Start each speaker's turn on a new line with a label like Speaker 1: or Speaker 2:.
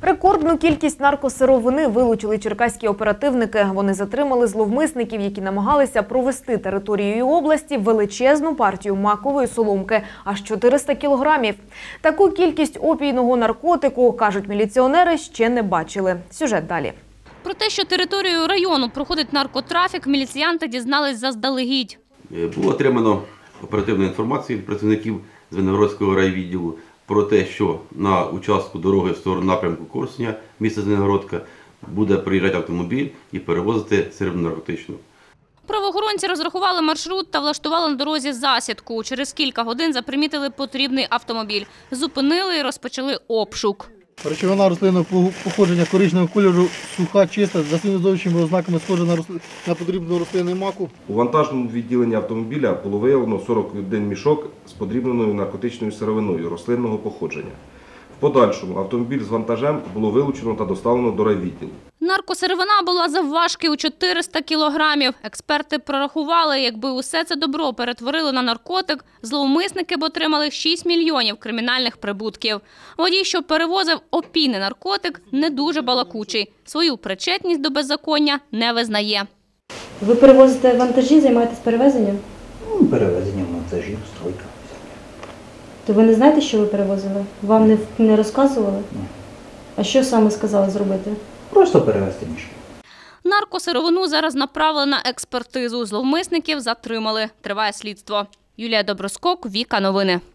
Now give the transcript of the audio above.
Speaker 1: Рекордну кількість наркосировини вилучили черкаські оперативники. Вони затримали зловмисників, які намагалися провести територією області величезну партію макової соломки – аж 400 кілограмів. Таку кількість опійного наркотику, кажуть міліціонери, ще не бачили. Сюжет далі.
Speaker 2: Про те, що територією району проходить наркотрафік, міліціянти дізнались заздалегідь.
Speaker 3: Було отримано оперативну інформацію від працівників Звенигородського райвідділу про те, що на участку дороги в сторону напрямку Корсуня, міста Звенигородка, буде приїжджати автомобіль і перевозити сировину наркотичну.
Speaker 2: Правоохоронці розрахували маршрут та влаштували на дорозі засідку. Через кілька годин запримітили потрібний автомобіль. Зупинили і розпочали обшук.
Speaker 4: Речовина рослинного походження коричневого кольору, суха, чиста, за слідовичними ознаками схожа на подрібну рослину маку.
Speaker 5: У вантажному відділенні автомобіля було виявлено 41 мішок з подрібненою наркотичною сировиною рослинного походження. В подальшому автомобіль з вантажем було вилучено та доставлено до райвідділу.
Speaker 2: Наркосировина була завважки у 400 кілограмів. Експерти прорахували, якби усе це добро перетворили на наркотик, зловмисники б отримали 6 мільйонів кримінальних прибутків. Водій, що перевозив опійний наркотик, не дуже балакучий. Свою причетність до беззаконня не визнає.
Speaker 6: Ви перевозите вантажі, займаєтесь перевезенням?
Speaker 7: Перевезенням вантажів, стройка.
Speaker 6: То ви не знаєте, що ви перевозили? Вам не розказували?
Speaker 7: Ні.
Speaker 6: А що саме сказали зробити?
Speaker 7: Просто перевезти мішки.
Speaker 2: Наркосировину зараз направили на експертизу. Зловмисників затримали. Триває слідство. Юлія Доброскок, Віка Новини.